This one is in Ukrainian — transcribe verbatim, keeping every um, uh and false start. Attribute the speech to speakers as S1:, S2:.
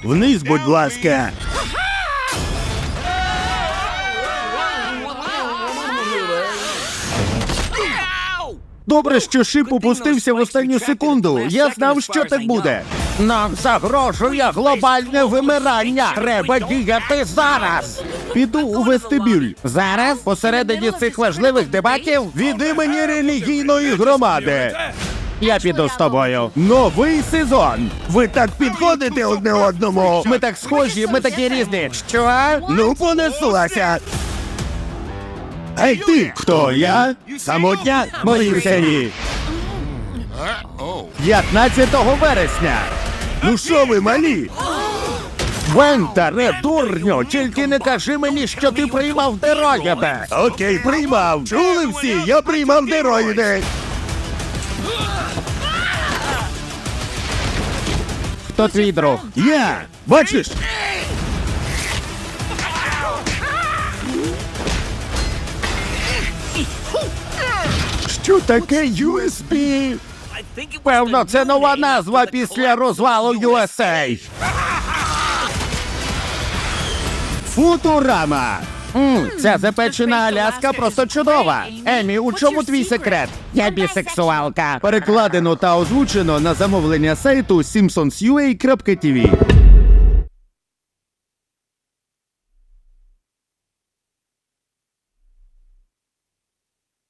S1: Вниз, будь ласка. Добре, що шип опустився в останню секунду. Я знав, що так буде. Нам загрожує глобальне вимирання. Треба діяти зараз. Піду у вестибюль. Зараз? Посередині цих важливих дебатів? Від імені релігійної громади. Я піду з тобою. Новий сезон. Ви так підходите одне одному. Ми так схожі, ми такі різні. Що? Ну, понеслася. Ей ти! Хто я? Самотня? Мої серії. п'ятнадцятого вересня. Ну що ви, малі? Вентаре, дурню, тільки не кажи мені, що ти приймав дероїди. Окей, приймав. Чули всі? Я приймав дероїди. Хто твій друг? Я. Бачиш? Що таке ю ес бі? Певно, це нова назва після розвалу ю ес ей. Футурама. Мм, ця запечена Аляска просто чудова. Емі, у чому твій секрет? Я бісексуалка. Перекладено та озвучено на замовлення сайту сімпсонс крапка ю а крапка ті ві.